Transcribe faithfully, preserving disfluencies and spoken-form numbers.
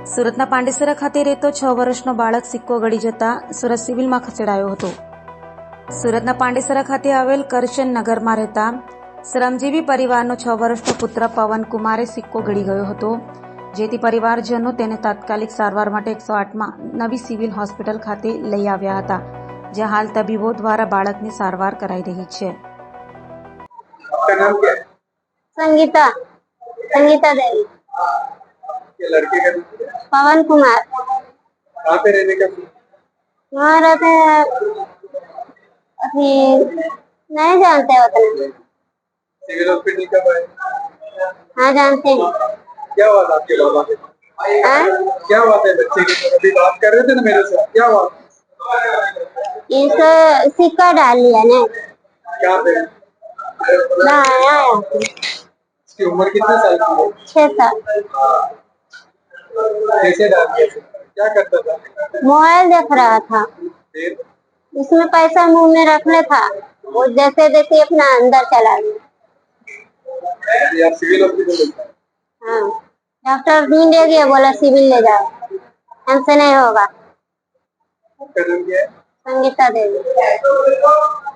સુરતના પાંડેસરા ખાતે રહેતો છ વર્ષનો બાળક સિક્કો ગળી જતા સુરત સિવિલમાં ખસેડાયો હતો. સુરતના પાંડેસરા ખાતે આવેલ કરશન નગરમાં રહેતા શ્રમજીવી પરિવારનો છ વર્ષનો પુત્ર પવન કુમારે સિક્કો ગળી ગયો હતો, જેથી પરિવારજનો તેને તાત્કાલિક સારવાર માટે એકસો આઠમાં નવી સિવિલ હોસ્પિટલ ખાતે લઈ આવ્યા હતા, જ્યાં હાલ તબીબો દ્વારા બાળકની સારવાર કરાઈ રહી છે. आपका नाम क्या है? संगीता संगीता देवी. ये लड़के का नाम क्या है? पवन कुमार. कहाँ पे रहने का? वहाँ रहते हैं, अभी नहीं जानते उतना. सिविल हॉस्पिटल कब आए? हाँ जानते हैं. क्या हुआ था आपके बाबा के? हाँ? क्या हुआ था बच्चे की? अभी बात कर रहे थे ना मेरे से, क्या हुआ? इसे सिक्का डाल लिया ने. क्या पे? ना आया है. इसकी उम्र कितने साल की है? छह साल. कैसे डाल दिया? क्या करता था? मोबाइल देख रहा था, फिर इसमें पैसा मुंह में रखने था, वो जैसे जैसे अपना अंदर चला गया. यार सिविल हॉस्पिटल लेता है। हाँ, डॉक्टर ढूंढ ले गया, बोला सिविल ले जाओ, हमसे नहीं होगा. आपका नाम क्या है? संगीता देवी.